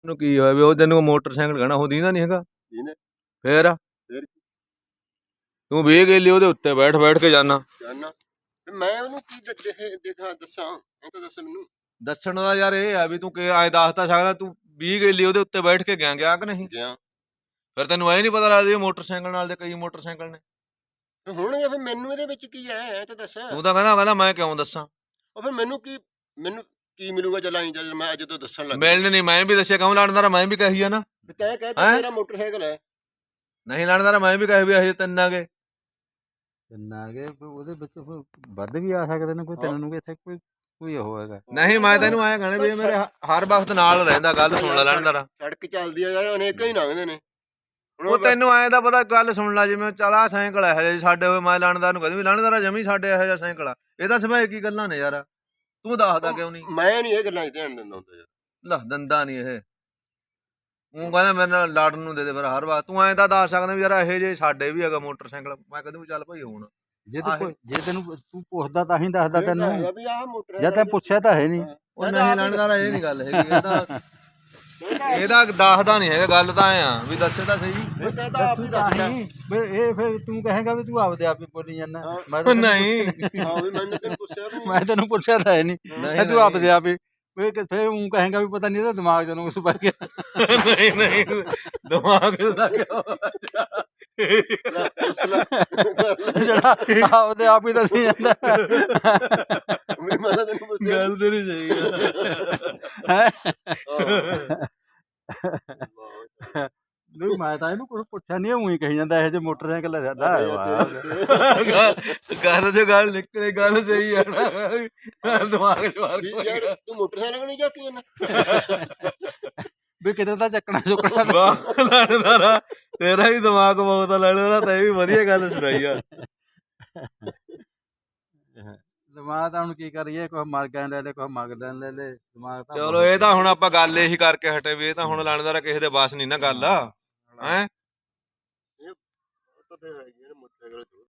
ਨੂੰ ਕੀ ਹੋਇਆ ਵੀ ਉਹ ਤੈਨੂੰ ਮੋਟਰਸਾਈਕਲ ਕਹਿਣਾ ਉਹ ਦੀਂਦਾ ਨਹੀਂ ਹੈਗਾ ਫੇਰ ਤੂੰ 20 ਗੇਲੀ ਉਹਦੇ ਉੱਤੇ ਬੈਠ ਕੇ ਜਾਣਾ ਮੈਂ ਉਹਨੂੰ ਕੀ ਦੇਖਾਂ ਦੱਸਾਂ ਉਹ ਤਾਂ ਦੱਸ ਮੈਨੂੰ ਦੱਸਣ ਦਾ ਯਾਰ ਇਹ ਆ ਵੀ ਤੂੰ ਕਿ ਐ ਦੱਸ ਤਾਂ ਸਕਦਾ ਤੂੰ 20 ਗੇਲੀ ਉਹਦੇ ਉੱਤੇ ਬੈਠ ਕੇ ਗਿਆ ਕਿ ਨਹੀਂ ਗਿਆ ਫਿਰ ਤੈਨੂੰ ਐ ਨਹੀਂ ਪਤਾ ਲੱਗਦਾ ਮੋਟਰਸਾਈਕਲ ਨਾਲ ਦੇ ਕਈ ਮੋਟਰਸਾਈਕਲ ਨੇ ਹੁਣ ਫਿਰ ਮੈਨੂੰ ਇਹਦੇ ਵਿੱਚ ਕੀ ਹੈ ਤਾਂ ਦੱਸ ਤੂੰ ਤਾਂ ਕਹਿੰਦਾ ਮੈਂ ਕਿਉਂ ਦੱਸਾਂ ਉਹ ਫਿਰ ਮੈਨੂੰ ਕੀ ਮਿਲੂਗਾ ਚੱਲ ਮੈਂ ਅੱਜ ਤੋਂ ਦੱਸਣ ਲੱਗ ਮਿਲਣ ਨਹੀਂ ਮੈਂ ਵੀ ਦੱਸਿਆ ਕਿਉਂ ਲੜਨਦਾਰਾ ਮੈਂ ਵੀ ਕਹੀ ਆ ਨਾ ਕਹਿ ਤੇਰਾ ਮੋਟਰਸਾਈਕਲ ਹੈ ਨਹੀਂ ਲੜਨਦਾਰਾ ਮੈਂ ਵੀ ਕਹੀ ਵੀ ਇਹ ਤਿੰਨ ਆ ਗਏ ਉਹਦੇ ਵਿੱਚ ਵੱਧ ਵੀ ਆ ਸਕਦੇ ਨੇ ਕੋਈ ਤੈਨੂੰ ਵੀ ਇੱਥੇ ਕੋਈ ਉਹ ਹੈਗਾ ਨਹੀਂ ਮੈਂ ਤੈਨੂੰ ਐਂ ਕਹਿਣਾ ਵੀ ਮੇਰੇ ਹਰ ਵਕਤ ਨਾਲ ਰਹਿੰਦਾ ਗੱਲ ਸੁਣ ਲੈ ਲੜਨਦਾਰਾ ਸੜਕ ਚੱਲਦੀ ਆ ਯਾਰ ਅਨੇਕਾਂ ਹੀ ਲੰਘਦੇ ਨੇ ਉਹ ਤੈਨੂੰ ਐਂ ਦਾ ਪਤਾ ਗੱਲ ਸੁਣ ਲੈ ਜਿਵੇਂ ਚੱਲ ਆ ਸਾਈਕਲ ਇਹੋ ਜਿਹੇ ਸਾਡੇ ਹੋਏ ਮੈਂ ਲੜਨਦਾਰ ਨੂੰ ਕਹਿੰਦਾ ਵੀ ਲੜਨਦਾਰਾ ਜਮੀ ਸਾਡੇ ਇਹੋ ਜਿਹਾ ਸਾਈਕਲ ਆ ਇਹ ਤਾਂ ਸਭਾਏ ਕੀ ਗੱਲਾਂ ਨੇ ਯਾਰ ਤੂੰ ਦੱਸਦਾ ਕਿਉਂ ਨਹੀਂ ਮੈਂ ਨਹੀਂ ਇਹ ਗੱਲਾਂ 'ਚ ਧਿਆਨ ਦਿੰਦਾ ਹੁੰਦਾ ਯਾਰ ਲੈ ਦੰਦਾ ਨਹੀਂ ਇਹ ਤੂੰ ਕਹਿੰਦਾ ਮੇਰੇ ਨਾਲ ਲੜਨ ਨੂੰ ਦੇ ਫਿਰ ਹਰ ਵਾਰ ਤੂੰ ਐਂ ਤਾਂ ਦੱਸ ਸਕਦਾ ਵੀ ਯਾਰ ਇਹੋ ਜਿਹੇ ਸਾਡੇ ਵੀ ਹੈਗਾ ਮੋਟਰਸਾਈਕਲ ਮੈਂ ਕਹਿੰਦਾ ਵੀ ਚੱਲ ਭਾਈ ਹੁਣ ਜੇ ਤੈਨੂੰ ਤੂੰ ਪੁੱਛਦਾ ਤਾਂ ਹੀ ਦੱਸਦਾ ਤੈਨੂੰ ਵੀ ਆਹ ਮੋਟਰ ਜਾਂ ਤੈਨੂੰ ਪੁੱਛਿਆ ਤਾਂ ਹੈ ਨਹੀਂ ਉਹ ਨਹੀਂ ਲੜਨਦਾਰਾ ਇਹ ਨਹੀਂ ਗੱਲ ਹੈਗੀ ਇਹਦਾ ਦੱਸਦਾ ਨਹੀਂ ਹੈਗਾ ਗੱਲ ਤਾਂ ਐ ਆ ਵੀ ਦੱਸੇ ਤਾਂ ਸਹੀ ਇਹ ਫਿਰ ਤੂੰ ਕਹੇਗਾ ਵੀ ਤੂੰ ਆਪਦੇ ਆਪ ਹੀ ਬੋਲੀ ਜਾਂਦਾ ਨਹੀਂ ਮੈਂ ਤੈਨੂੰ ਪੁੱਛਿਆ ਤਾਂ ਹੈ ਨਹੀਂ ਤੂੰ ਆਪਦੇ ਆਪ ਹੀ ਫਿਰ ਉਹ ਕਹੇਗਾ ਵੀ ਪਤਾ ਨਹੀਂ ਇਹਦਾ ਦਿਮਾਗ ਤੈਨੂੰ ਕੁਛ ਪੈ ਗਿਆ ਨਹੀਂ ਦਿਮਾਗ ਦਾ ਕਿਉਂ ਜਿਹੜਾ ਆਪਦੇ ਆਪ ਹੀ ਦੱਸੀ ਜਾਂਦਾ ਗੱਲ ਤੇਰੀ ਸਹੀ ਹੈ ਨਹੀਂ ਮੈਂ ਤਾਂ ਇਹਨੂੰ ਕੁਛ ਪੁੱਛਿਆ ਨਹੀਂ ਉਹੀ ਕਹੀ ਜਾਂਦਾ ਇਹੋ ਜਿਹੇ ਮੋਟਰਸਾਈਕਲ ਹੈ ਸਾਡਾ ਗੱਲ ਨਿਕਲੇ ਗੱਲ ਸਹੀ ਹੈ ਨਾ ਦਿਮਾਗ ਚ ਮਾਰ ਤੂੰ ਮੋਟਰਸਾਈਕਲ ਨਹੀਂ ਚੱਕੀ ਜਾਂਦਾ ਵੀ ਕਿਤੇ ਤਾਂ ਚੱਕਣਾ ਚੁੱਕਣਾ ਲੜਨਦਾਰਾ ਤੇਰਾ ਵੀ ਦਿਮਾਗ ਬਹੁਤ ਆ ਲੜਨਦਾਰਾ ਤੈਂ ਵੀ ਵਧੀਆ ਗੱਲ ਸੁਣਾਈ ਆ ਦਿਮਾਗ ਤਾਂ ਹੁਣ ਕੀ ਕਰੀਏ ਕੁਛ ਮਰ ਗਏ ਲੈ ਲੈ ਕੁਛ ਮਗਰ ਲੈ ਲੈ ਦਿਮਾਗ ਤਾਂ ਚਲੋ ਇਹ ਤਾਂ ਹੁਣ ਆਪਾਂ ਗੱਲ ਇਹੀ ਕਰਕੇ ਹਟੇ ਵੀ ਇਹ ਤਾਂ ਹੁਣ ਲੜਨਦਾਰਾ ਕਿਸੇ ਦੇ ਬਸ ਨਹੀਂ ਨਾ ਗੱਲ ਹੈਂ